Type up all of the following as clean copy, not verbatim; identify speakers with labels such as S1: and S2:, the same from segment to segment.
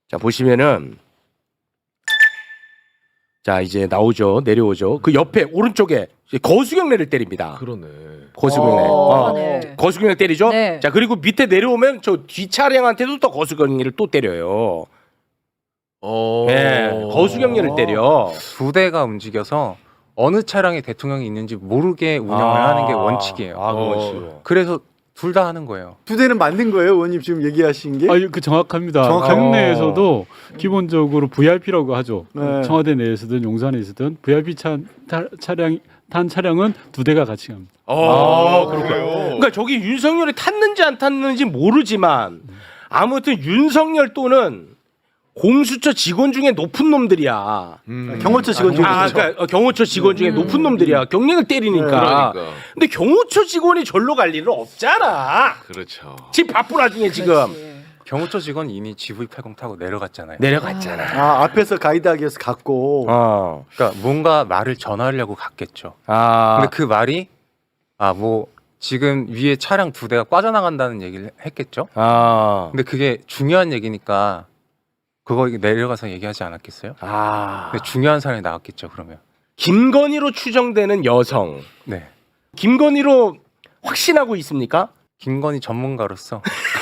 S1: 자 보시면은 자 이제 나오죠. 내려오죠. 그 옆에 오른쪽에 거수경례를 때립니다.
S2: 그러네.
S1: 거수경례.
S3: 네.
S1: 거수경례 때리죠.
S3: 네.
S1: 자 그리고 밑에 내려오면 저 뒤 차량한테도 또 거수경례를 또 때려요. 네, 거수경례를 때려.
S4: 두 대가 움직여서 어느 차량에 대통령이 있는지 모르게 운영을 하는 게 원칙이에요.
S1: 아, 그 원칙.
S4: 그래서 둘 다 하는 거예요.
S5: 두 대는 만든 거예요, 의원님 지금 얘기하신 게?
S6: 그 정확합니다.
S5: 정확하죠.
S6: 경내에서도 기본적으로 VIP라고 하죠.
S5: 네.
S6: 청와대 내에서든 용산에 있든 VIP 탄 차량은 두 대가 같이 갑니다.
S1: 그렇군요. 그러니까 저기 윤석열이 탔는지 안 탔는지 모르지만 아무튼 윤석열 또는 공수처 직원 중에 높은 놈들이야.
S5: 경호처 직원 중에
S1: 그러니까 경호처 직원 중에 높은 놈들이야. 경례를 때리니까.
S2: 그러니까.
S1: 근데 경호처 직원이 절로 갈 일은 없잖아.
S2: 그렇죠.
S1: 집 바쁜 와중에 지금
S4: 경호처 직원 이미 GV80 타고 내려갔잖아요.
S1: 내려갔잖아.
S5: 아, 앞에서 가이드하기 위해서 갔고.
S4: 그러니까 뭔가 말을 전하려고 갔겠죠.
S1: 아.
S4: 근데 그 말이 뭐 지금 위에 차량 두 대가 빠져나간다는 얘기를 했겠죠. 근데 그게 중요한 얘기니까 그거 내려가서 얘기하지 않았겠어요? 근데 중요한 사람이 나왔겠죠. 그러면
S1: 김건희로 추정되는 여성.
S4: 네,
S1: 김건희로 확신하고 있습니까?
S4: 김건희 전문가로서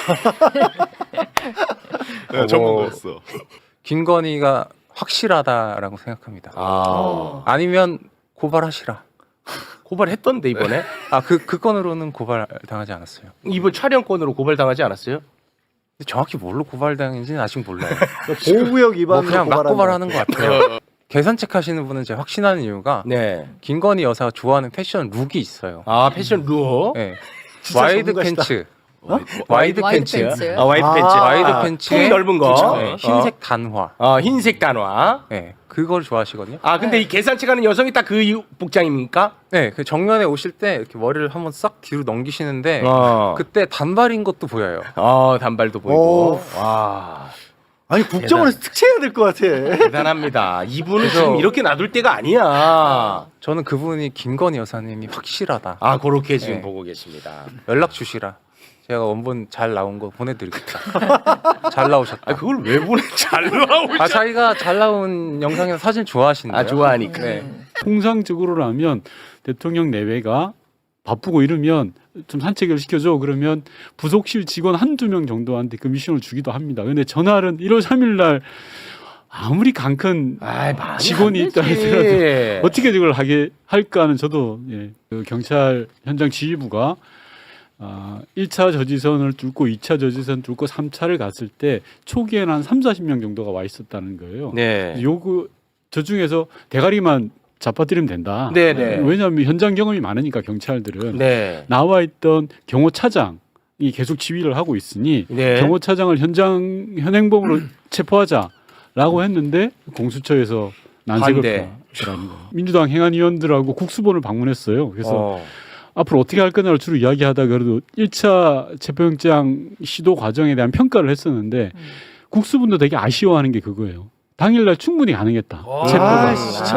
S2: 네, 전문가였어.
S4: 김건희가 확실하다라고 생각합니다. 아니면 고발하시라.
S1: 고발했던데 이번에.
S4: 그 건으로는 고발 당하지 않았어요.
S1: 이번 촬영권으로 고발당하지 않았어요?
S4: 근데 정확히 뭘로 고발당했는지는 아직 몰라요.
S5: 보호구역 위반으로
S4: 그냥 막
S5: 고발한다.
S4: 고발하는 것 같아요. 계산책 하시는 분은 제가 확신하는 이유가
S1: 네.
S4: 김건희 여사가 좋아하는 패션 룩이 있어요.
S1: 패션 룩.
S4: 네.
S5: 진짜
S4: 와이드
S5: 전문가시다.
S4: 팬츠. 와이드
S3: 와이드
S4: 팬츠.
S3: 팬츠.
S1: 와이드 팬츠.
S4: 와이드 팬츠에
S1: 통이 넓은 거.
S4: 네, 흰색 단화.
S1: 흰색 단화.
S4: 네, 그걸 좋아하시거든요.
S1: 근데 이 계산책 하는 여성이 딱 그 복장입니까?
S4: 네, 그 정면에 오실 때 이렇게 머리를 한번 싹 뒤로 넘기시는데 그때 단발인 것도 보여요.
S1: 단발도 보이고. 와.
S5: 아니 국정원에서 특채해야 될 것 같아.
S1: 대단합니다. 이분은
S4: 그래서-
S1: 지금 이렇게 놔둘 때가 아니야.
S4: 저는 그분이 김건희 여사님이 확실하다.
S1: 그렇게 지금
S4: 네.
S1: 보고 계십니다.
S4: 연락 주시라. 제가 원본 잘 나온 거 보내드리겠다. 잘 나오셨다.
S1: 그걸 왜 보내? 잘 나오죠.
S4: 자기가 잘 나온 영상이나 사진 좋아하신대요.
S1: 좋아하니까.
S4: 네.
S6: 통상적으로라면 대통령 내외가 바쁘고 이러면 좀 산책을 시켜줘. 그러면 부속실 직원 한두 명 정도한테 그 미션을 주기도 합니다. 근데 전날은 1월 3일 날 아무리 강큰 직원이 있다 하더라도 어떻게 이걸 하게 할까 하는 저도 그 경찰 현장 지휘부가 1차 저지선을 뚫고 2차 저지선 뚫고 3차를 갔을 때 초기에는 한 30-40명 정도가 와 있었다는 거예요.
S1: 네.
S6: 저 중에서 대가리만 잡아뜨리면 된다.
S1: 네네.
S6: 왜냐하면 현장 경험이 많으니까 경찰들은
S1: 네.
S6: 나와 있던 경호차장이 계속 지휘를 하고 있으니
S1: 네.
S6: 경호차장을 현행범으로 체포하자라고 했는데 공수처에서 난색을 표하더라는 거예요. 민주당 행안위원들하고 국수본을 방문했어요. 그래서 앞으로 어떻게 할 거냐를 주로 이야기하다가 그래도 1차 체포영장 시도 과정에 대한 평가를 했었는데 국수본도 되게 아쉬워하는 게 그거예요. 당일날 충분히 가능했다. 체포가.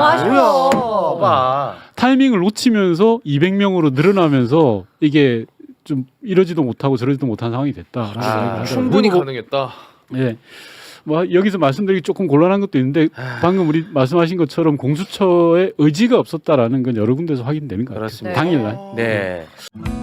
S3: 맞아요.
S6: 타이밍을 놓치면서 200명으로 늘어나면서 이게 좀 이러지도 못하고 저러지도 못한 상황이 됐다.
S2: 충분히 가능했다.
S6: 예. 뭐 여기서 말씀드리기 조금 곤란한 것도 있는데 방금 우리 말씀하신 것처럼 공수처의 의지가 없었다라는 건 여러 군데서 확인되는 것 같아요.
S1: 그렇습니다.
S6: 당일날.
S1: 네.